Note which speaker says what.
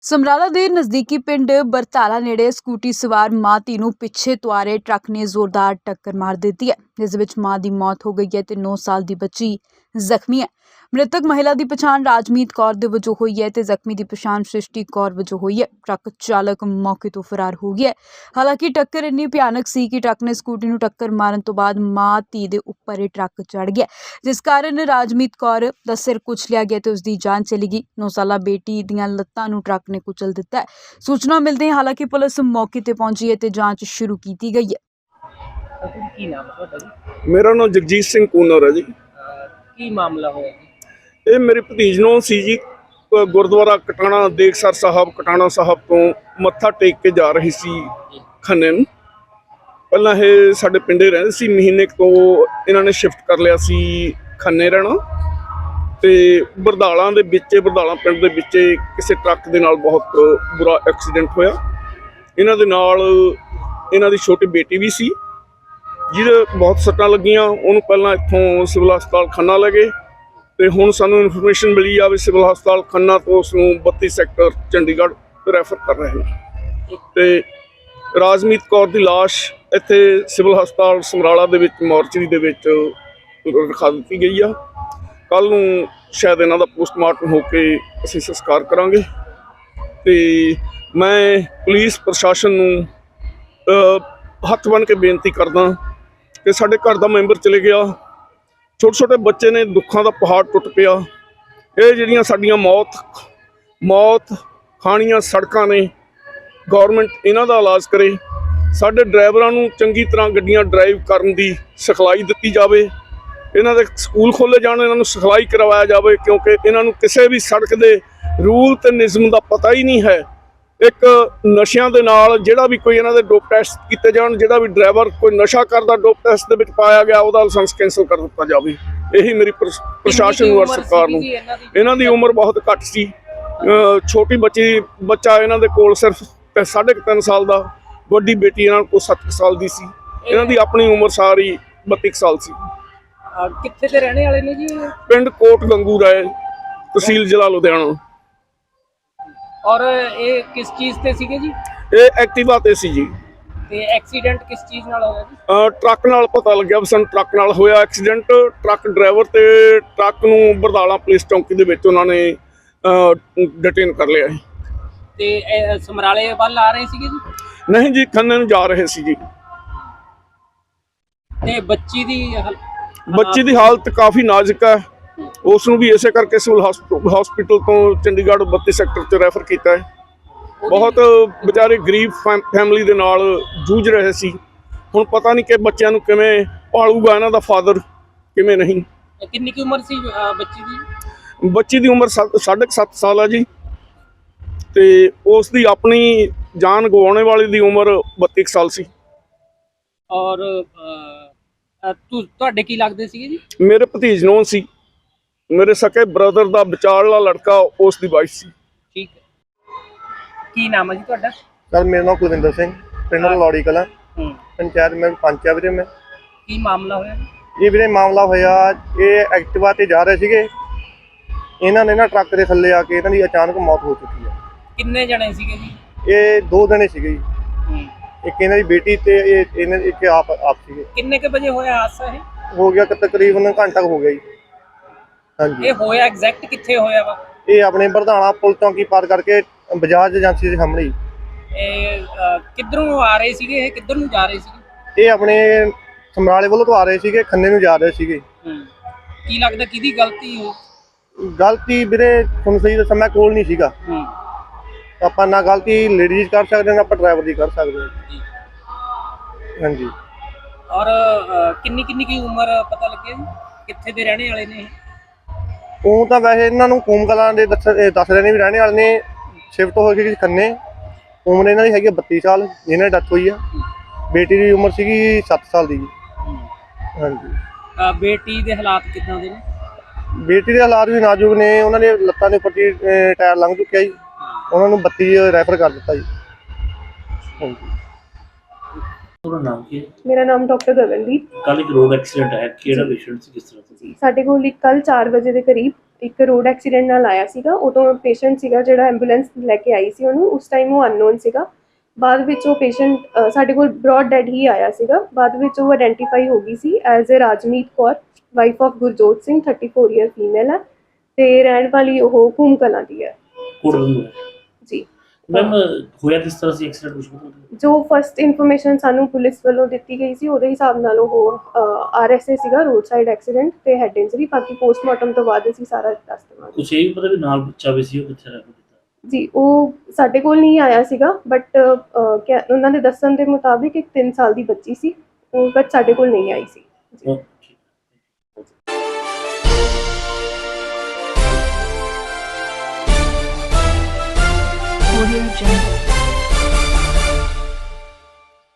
Speaker 1: ਸਮਰਾਲਾ ਦੇ ਨਜ਼ਦੀਕੀ ਪਿੰਡ ਬਰਤਾਲਾ ਨੇੜੇ ਸਕੂਟੀ ਸਵਾਰ ਮਾਂ ਧੀ ਨੂੰ ਪਿੱਛੇ ਤੋਂ ਆ ਰਹੇ ਟਰੱਕ ਨੇ ਜ਼ੋਰਦਾਰ ਟੱਕਰ ਮਾਰ ਦਿੱਤੀ ਹੈ, ਜਿਸ ਵਿੱਚ ਮਾਂ ਦੀ ਮੌਤ ਹੋ ਗਈ ਹੈ ਤੇ 9 ਸਾਲ ਦੀ ਬੱਚੀ ਜ਼ਖਮੀ ਹੈ। ਮ੍ਰਿਤਕ ਮਹਿਲਾ ਦੀ ਪਛਾਣ ਰਾਜਮੀਤ ਕੌਰ ਦੇ ਵਜੋਂ ਹੋਈ ਹੈ ਤੇ ਜ਼ਖਮੀ ਦੀ ਪਛਾਣ ਸ੍ਰਿਸ਼ਟੀ ਕੌਰ ਵਜੋਂ ਹੋਈ ਹੈ। ਟਰੱਕ ਚਾਲਕ ਮੌਕੇ ਤੋਂ ਫਰਾਰ ਹੋ ਗਿਆ ਹੈ। ਹਾਲਾਂਕਿ ਟੱਕਰ ਇੰਨੀ ਭਿਆਨਕ ਸੀ ਕਿ ਟਰੱਕ ਨੇ ਸਕੂਟੀ ਨੂੰ ਟੱਕਰ ਮਾਰਨ ਤੋਂ ਬਾਅਦ ਮਾਂ ਧੀ ਦੇ ਉੱਪਰ ਇਹ ਟਰੱਕ ਚੜ੍ਹ ਗਿਆ, ਜਿਸ ਕਾਰਨ ਰਾਜਮੀਤ ਕੌਰ ਦਾ ਸਿਰ ਕੁਚਲਿਆ ਗਿਆ ਤੇ ਉਸ ਦੀ ਜਾਨ ਚਲੀ ਗਈ। 9 ਸਾਲਾ ਬੇਟੀ ਦੀਆਂ ਲੱਤਾਂ ਨੂੰ ਟਰੱਕ ਨੇ ਕੁਚਲ ਦਿੱਤਾ ਹੈ। ਸੂਚਨਾ ਮਿਲਦੇ ਹੀ ਹਾਲਾਂਕਿ ਪੁਲਿਸ ਮੌਕੇ ਤੇ ਪਹੁੰਚੀ ਹੈ ਤੇ ਜਾਂਚ ਸ਼ੁਰੂ ਕੀਤੀ ਗਈ ਹੈ।
Speaker 2: ਕੀ ਨਾਮ ਹੈ ਤੁਹਾਡਾ ਜੀ?
Speaker 3: ਮੇਰਾ ਨਾਮ ਜਗਜੀਤ ਸਿੰਘ ਕੂਨਰ ਹੈ ਜੀ।
Speaker 2: ਕੀ ਮਾਮਲਾ ਹੋਇਆ ਜੀ?
Speaker 3: ਇਹ ਮੇਰੇ ਭਤੀਜ ਨੂੰ ਸੀ ਜੀ, ਗੁਰਦੁਆਰਾ ਕਟਾਣਾ ਦੇਖਸਰ ਸਾਹਿਬ ਕਟਾਣਾ ਸਾਹਿਬ ਤੋਂ ਮੱਥਾ ਟੇਕ ਕੇ ਜਾ ਰਹੀ ਸੀ ਖੰਨੇ ਨੂੰ। ਪਹਿਲਾਂ ਇਹ ਸਾਡੇ ਪਿੰਡੇ ਰਹਿੰਦੇ ਸੀ, ਮਹੀਨੇ ਕੁ ਤੋਂ ਇਹਨਾਂ ਨੇ ਸ਼ਿਫਟ ਕਰ ਲਿਆ ਸੀ ਖੰਨੇ ਰਹਿਣਾ। ਤੇ ਬਰਦਾਲਾ ਦੇ ਵਿੱਚ, ਬਰਦਾਲਾ ਪਿੰਡ ਦੇ ਵਿੱਚ ਕਿਸੇ ਟਰੱਕ ਦੇ ਨਾਲ ਬਹੁਤ ਬੁਰਾ ਐਕਸੀਡੈਂਟ ਹੋਇਆ। ਇਹਨਾਂ ਦੇ ਨਾਲ ਇਹਨਾਂ ਦੀ ਛੋਟੀ ਬੇਟੀ ਵੀ ਸੀ ਜਿਹਦੇ ਬਹੁਤ ਸੱਟਾਂ ਲੱਗੀਆਂ। ਉਹਨੂੰ ਪਹਿਲਾਂ ਇੱਥੋਂ ਸਿਵਲ ਹਸਪਤਾਲ ਖੰਨਾ ਲੈ ਗਏ ਤੇ ਹੁਣ ਸਾਨੂੰ ਇਨਫੋਰਮੇਸ਼ਨ ਮਿਲੀ ਆ ਵੀ ਸਿਵਲ ਹਸਪਤਾਲ ਖੰਨਾ ਤੋਂ ਉਸ ਨੂੰ 32 ਸੈਕਟਰ ਚੰਡੀਗੜ੍ਹ ਰੈਫਰ ਕਰ ਰਹੇ ਨੇ। ਤੇ ਰਾਜਮੀਤ ਕੌਰ ਦੀ ਲਾਸ਼ ਇੱਥੇ ਸਿਵਲ ਹਸਪਤਾਲ ਸਮਰਾਲਾ ਦੇ ਵਿੱਚ ਮੋਰਚਰੀ ਦੇ ਵਿੱਚ ਰਖਾ ਦਿੱਤੀ ਗਈ ਆ। ਕੱਲ੍ਹ ਨੂੰ ਸ਼ਾਇਦ ਇਹਨਾਂ ਦਾ ਪੋਸਟਮਾਰਟਮ ਹੋ ਕੇ ਅਸੀਂ ਸੰਸਕਾਰ ਕਰਾਂਗੇ। ਤੇ ਮੈਂ ਪੁਲਿਸ ਪ੍ਰਸ਼ਾਸਨ ਨੂੰ ਹੱਥ ਬੰਨ੍ਹ ਕੇ ਬੇਨਤੀ ਕਰਦਾ ਕਿ ਸਾਡੇ ਘਰ ਦਾ ਮੈਂਬਰ ਚਲੇ ਗਿਆ, ਛੋਟੇ ਛੋਟੇ ਬੱਚੇ ਨੇ, ਦੁੱਖਾਂ ਦਾ ਪਹਾੜ ਟੁੱਟ ਪਿਆ। ਇਹ ਜਿਹੜੀਆਂ ਸਾਡੀਆਂ ਮੌਤ ਖਾਣੀਆਂ ਸੜਕਾਂ ਨੇ, ਗੌਰਮੈਂਟ ਇਹਨਾਂ ਦਾ ਇਲਾਜ ਕਰੇ। ਸਾਡੇ ਡਰਾਈਵਰਾਂ ਨੂੰ ਚੰਗੀ ਤਰ੍ਹਾਂ ਗੱਡੀਆਂ ਡਰਾਈਵ ਕਰਨ ਦੀ ਸਿਖਲਾਈ ਦਿੱਤੀ ਜਾਵੇ। ਇਹਨਾਂ ਦੇ ਸਕੂਲ ਖੋਲ੍ਹੇ ਜਾਣ, ਇਹਨਾਂ ਨੂੰ ਸਿਖਲਾਈ ਕਰਵਾਇਆ ਜਾਵੇ, ਕਿਉਂਕਿ ਇਹਨਾਂ ਨੂੰ ਕਿਸੇ ਵੀ ਸੜਕ ਦੇ ਰੂਲ ਤੇ ਨਿਯਮ ਦਾ ਪਤਾ ਹੀ ਨਹੀਂ ਹੈ। ਇੱਕ ਨਸ਼ਿਆਂ ਦੇ ਨਾਲ ਜਿਹੜਾ ਵੀ ਕੋਈ ਇਹਨਾਂ ਦੇ ਡੋਪ ਟੈਸਟ ਕੀਤੇ ਜਾਣ, ਜਿਹੜਾ ਵੀ ਡਰਾਈਵਰ ਕੋਈ ਨਸ਼ਾ ਕਰਦਾ ਡੋਪ ਟੈਸਟ ਦੇ ਵਿੱਚ ਪਾਇਆ ਗਿਆ ਉਹਦਾ ਲਾਇਸੈਂਸ ਕੈਂਸਲ ਕਰ ਦਿੱਤਾ ਜਾਵੇ। ਇਹੀ ਮੇਰੀ ਪ੍ਰਸ਼ਾਸਨ ਨੂੰ ਔਰ ਸਰਕਾਰ ਨੂੰ। ਇਹਨਾਂ ਦੀ ਉਮਰ ਬਹੁਤ ਘੱਟ ਸੀ। ਛੋਟੀ ਬੱਚਾ ਇਹਨਾਂ ਦੇ ਕੋਲ ਸਿਰਫ 3.5 ਸਾਲ ਦਾ, ਵੱਡੀ ਬੇਟੀ ਇਹਨਾਂ ਕੋਲ 7 ਸਾਲ ਦੀ ਸੀ। ਇਹਨਾਂ ਦੀ ਆਪਣੀ ਉਮਰ ਸਾਰੀ 32 ਸਾਲ ਸੀ।
Speaker 2: ਕਿੱਥੇ ਦੇ ਰਹਿਣੇ ਵਾਲੇ ਨੇ ਜੀ?
Speaker 3: ਪਿੰਡ ਕੋਟ ਗੰਗੂ ਰਾਏ, ਤਹਿਸੀਲ ਜ਼ਿਲ੍ਹਾ ਲੁਧਿਆਣਾ।
Speaker 2: ਔਰ ਇਹ ਕਿਸ ਚੀਜ਼ ਤੇ ਸੀਗੇ ਜੀ?
Speaker 3: ਇਹ ਐਕਟਿਵਾ ਤੇ ਸੀ ਜੀ।
Speaker 2: ਤੇ ਐਕਸੀਡੈਂਟ ਕਿਸ ਚੀਜ਼ ਨਾਲ ਹੋਇਆ ਜੀ?
Speaker 3: ਟਰੱਕ ਨਾਲ ਪਤਾ ਲੱਗਿਆ ਵੀ ਸਾਨੂੰ ਟਰੱਕ ਨਾਲ ਹੋਇਆ ਐਕਸੀਡੈਂਟ। ਟਰੱਕ ਡਰਾਈਵਰ ਤੇ ਟਰੱਕ ਨੂੰ ਬਰਦਾਲਾ ਪੁਲਿਸ ਚੌਂਕੀ ਦੇ ਵਿੱਚ ਉਹਨਾਂ ਨੇ ਡਿਟੇਨ ਕਰ ਲਿਆ।
Speaker 2: ਤੇ ਸਮਰਾਲੇ ਵੱਲ ਆ ਰਹੇ ਸੀਗੇ ਜੀ?
Speaker 3: ਨਹੀਂ ਜੀ, ਖੰਨੇ ਨੂੰ ਜਾ ਰਹੇ ਸੀ ਜੀ।
Speaker 2: ਤੇ ਬੱਚੀ ਦੀ
Speaker 3: ਹਾਲਤ ਕਾਫੀ ਨਾਜ਼ੁਕ ਹੈ। ਉਸ ਨੂੰ ਵੀ ਇਸੇ ਕਰਕੇ ਸਿਵਲ ਹਸਪੀਟਲ ਤੋਂ ਚੰਡੀਗੜ੍ਹ 32 ਸੈਕਟਰ 'ਚ ਰੈਫਰ ਕੀਤਾ ਹੈ। ਬਹੁਤ ਵਿਚਾਰੇ ਗਰੀਬ ਫੈਮਿਲੀ ਦੇ ਨਾਲ ਜੂਝ ਰਹੇ ਸੀ। ਹੁਣ ਪਤਾ ਨਹੀਂ ਕਿ ਬੱਚਿਆਂ ਨੂੰ ਕਿਵੇਂ ਪਾਲੂਗਾ ਇਹਨਾਂ ਦਾ ਫਾਦਰ, ਕਿਵੇਂ ਨਹੀਂ।
Speaker 2: ਕਿੰਨੀ ਕੀ ਉਮਰ ਸੀ ਬੱਚੀ ਦੀ?
Speaker 3: ਬੱਚੀ ਦੀ ਉਮਰ 7.5 ਸਾਲ ਹੈ ਜੀ। ਤੇ ਉਸ ਦੀ ਆਪਣੀ ਜਾਨ ਗਵਾਉਣੇ ਵਾਲੀ ਦੀ ਉਮਰ 32 ਸਾਲ ਸੀ।
Speaker 2: ਔਰ ਤੁਹਾਡੇ ਕੀ ਲੱਗਦੇ ਸੀਗੇ ਜੀ?
Speaker 3: ਮੇਰੇ ਭਤੀਜ ਨੂੰ ਸੀ, ਮੇਰੇ ਸਕੇ ਬ੍ਰਦਰ ਦਾ ਵਿਚਾਰਲਾ ਲੜਕਾ, ਉਸ ਦੀ ਵਾਈਫ ਸੀ।
Speaker 2: ਠੀਕ ਹੈ। ਕੀ ਨਾਮ ਹੈ ਜੀ ਤੁਹਾਡਾ?
Speaker 4: ਸਰ ਮੇਰਾ ਨਾਮ ਕੁਲਵਿੰਦਰ ਸਿੰਘ, ਪਿੰਡ ਲੌੜੀ ਕਲਾਂ, ਪੰਚਾਇਤ ਮੈਂ ਪੰਚ ਆ ਵੀਰੇ। ਮੈਂ
Speaker 2: ਕੀ ਮਾਮਲਾ ਹੋਇਆ
Speaker 4: ਇਹ ਵੀਰੇ? ਮਾਮਲਾ ਹੋਇਆ, ਇਹ ਐਕਟਿਵਾ ਤੇ ਜਾ ਰਹੇ ਸੀਗੇ। ਇਹਨਾਂ ਨੇ ਨਾ ਟਰੱਕ ਦੇ ਥੱਲੇ ਆ ਕੇ ਇਹਨਾਂ ਦੀ ਅਚਾਨਕ ਮੌਤ ਹੋ ਚੁੱਕੀ ਹੈ।
Speaker 2: ਕਿੰਨੇ ਜਣੇ ਸੀਗੇ ਜੀ?
Speaker 4: ਇਹ 2 ਜਣੇ ਸੀਗੇ ਜੀ। ਇੱਕ ਇਹਨਾਂ ਦੀ ਬੇਟੀ ਤੇ ਇੱਕ ਆਪ ਸੀਗੇ।
Speaker 2: ਕਿੰਨੇ ਕੇ ਵਜੇ ਹੋਇਆ ਹਾਦਸਾ? ਇਹ
Speaker 4: ਹੋ ਗਿਆ ਤਕਰੀਬਨ ਘੰਟਾ ਹੋ ਗਿਆ ਜੀ। ਹਾਂਜੀ।
Speaker 2: ਇਹ ਹੋਇਆ ਐਗਜ਼ੈਕਟ ਕਿੱਥੇ ਹੋਇਆ ਵਾ?
Speaker 4: ਇਹ ਆਪਣੇ ਬਰਧਾਣਾ ਪੁਲ ਚੌਂਕੀ ਪਾਰ ਕਰਕੇ ਬਜਾਜ ਏਜੰਸੀ ਦੇ ਸਾਹਮਣੇ।
Speaker 2: ਇਹ ਕਿੱਧਰੋਂ ਆ ਰਹੇ ਸੀਗੇ? ਇਹ ਕਿੱਧਰ ਨੂੰ ਜਾ ਰਹੇ ਸੀਗੇ?
Speaker 4: ਇਹ ਆਪਣੇ ਸਮਰਾਲੇ ਵੱਲੋਂ ਤੋਂ ਆ ਰਹੇ ਸੀਗੇ, ਖੰਨੇ ਨੂੰ ਜਾ ਰਹੇ ਸੀਗੇ।
Speaker 2: ਕੀ ਲੱਗਦਾ ਕਿਹਦੀ ਗਲਤੀ ਹੋ?
Speaker 4: ਗਲਤੀ ਵੀਰੇ ਤੁਹਾਨੂੰ ਸਹੀ ਦੱਸਾਂ, ਮੈਂ ਕੋਲ ਨਹੀਂ ਸੀਗਾ। ਆਪਾਂ ਨਾ ਗਲਤੀ ਲੇਡੀਜ਼ ਕਰ ਸਕਦੇ ਨਾ ਆਪਾਂ ਡਰਾਈਵਰ ਦੀ ਕਰ ਸਕਦੇ ਹਾਂ। ਹਾਂਜੀ।
Speaker 2: ਔਰ ਕਿੰਨੀ ਕੀ ਉਮਰ ਪਤਾ ਲੱਗਿਆ ਜੀ? ਕਿੱਥੇ ਦੇ ਰਹਿਣੇ ਵਾਲੇ ਨੇ?
Speaker 4: ਉਹ ਤਾਂ ਵੈਸੇ ਇਹਨਾਂ ਨੂੰ ਕੂਮ ਕਲਾਂ ਦੇ ਦੱਸ ਰਹੇ ਨੇ ਵੀ ਰਹਿਣੇ ਵਾਲੇ ਨੇ। ਸ਼ਿਫਟ ਹੋ ਗਈ ਖੰਨੇ। ਉਮਰ ਇਹਨਾਂ ਦੀ ਹੈਗੀ 32 ਸਾਲ, ਜਿਹਨਾਂ ਦੀ ਡੈਥ ਹੋਈ ਆ। ਬੇਟੀ ਦੀ ਉਮਰ ਸੀਗੀ 7 ਸਾਲ ਦੀ ਜੀ। ਹਾਂਜੀ।
Speaker 2: ਬੇਟੀ ਦੇ ਹਾਲਾਤ ਕਿੱਦਾਂ ਦੇ ਨੇ?
Speaker 4: ਬੇਟੀ ਦੇ ਹਾਲਾਤ ਵੀ ਨਾਜ਼ੁਕ ਨੇ। ਉਹਨਾਂ ਦੇ ਲੱਤਾਂ ਦੇ ਉੱਪਰ ਟਾਇਰ ਲੰਘ ਚੁੱਕਿਆ ਜੀ। ਉਹਨਾਂ ਨੂੰ 32 ਰੈਫਰ ਕਰ ਦਿੱਤਾ ਜੀ। ਹਾਂਜੀ।
Speaker 2: ਨਾਮ ਕੀ ਹੈ?
Speaker 5: ਮੇਰਾ ਨਾਮ ਡਾਕਟਰ ਗਗਨਦੀਪ।
Speaker 2: ਕੱਲ ਇੱਕ ਰੋਡ ਐਕਸੀਡੈਂਟ ਹੈ, ਕਿਹੜਾ ਪੇਸ਼ੈਂਟ ਸੀ, ਕਿਸ ਤਰ੍ਹਾਂ ਸੀ?
Speaker 5: ਸਾਡੇ ਕੋਲ ਕੱਲ 4 ਵਜੇ ਦੇ ਕਰੀਬ ਇੱਕ ਰੋਡ ਐਕਸੀਡੈਂਟ ਨਾਲ ਆਇਆ ਸੀਗਾ। ਉਦੋਂ ਪੇਸ਼ੈਂਟ ਸੀਗਾ ਜਿਹੜਾ ਐਂਬੂਲੈਂਸ ਲੈ ਕੇ ਆਈ ਸੀ ਉਹਨੂੰ, ਉਸ ਟਾਈਮ ਉਹ ਅਨਨੋਨ ਸੀਗਾ। ਬਾਅਦ ਵਿੱਚ ਉਹ ਪੇਸ਼ੈਂਟ ਸਾਡੇ ਕੋਲ ਬ੍ਰੌਡ ਡੈਡ ਹੀ ਆਇਆ ਸੀਗਾ। ਬਾਅਦ ਵਿੱਚ ਉਹ ਆਇਡੈਂਟੀਫਾਈ ਹੋ ਗਈ ਸੀ as a Rajmeet Kaur, wife of Gurjot Singh, 34 year female ਹੈ ਤੇ ਰਹਿਣ ਵਾਲੀ ਉਹ ਕੂਮ ਕਲਾਂ ਦੀ ਹੈ ਜੀ।
Speaker 6: ਮੈਮ ਹੋਇਆ ਕਿਸ ਤਰ੍ਹਾਂ ਸੀ ਐਕਸੀਡੈਂਟ ਕੁਝ ਪਤਾ?
Speaker 5: ਜੋ ਫਸਟ ਇਨਫੋਰਮੇਸ਼ਨ ਸਾਨੂੰ ਪੁਲਿਸ ਵੱਲੋਂ ਦਿੱਤੀ ਗਈ ਸੀ ਉਹਦੇ ਹਿਸਾਬ ਨਾਲ ਉਹ RSA ਸੀਗਾ, ਰੋਡ ਸਾਈਡ ਐਕਸੀਡੈਂਟ ਤੇ ਹੈਡ ਇੰਜਰੀ। ਬਾਕੀ ਪੋਸਟਮਾਰਟਮ ਤੋਂ ਬਾਅਦ ਅਸੀਂ ਸਾਰਾ ਦੱਸ ਦੇਵਾਂਗੇ।
Speaker 6: ਕੁਛ ਇਹ ਵੀ ਪਤਾ ਵੀ ਨਾਲ ਬੱਚਾ ਵੀ ਸੀ, ਉਹ ਕਿੱਥੇ ਰਹਿ ਗਿਆ?
Speaker 5: ਜੀ ਉਹ ਸਾਡੇ ਕੋਲ ਨਹੀਂ ਆਇਆ ਸੀਗਾ, ਬਟ ਉਹਨਾਂ ਦੇ ਦੱਸਣ ਦੇ ਮੁਤਾਬਿਕ ਇੱਕ 3 ਸਾਲ ਦੀ ਬੱਚੀ ਸੀ, ਉਹ ਬਟ ਸਾਡੇ ਕੋਲ ਨਹੀਂ ਆਈ ਸੀ ਜੀ।
Speaker 1: Audio Jungle.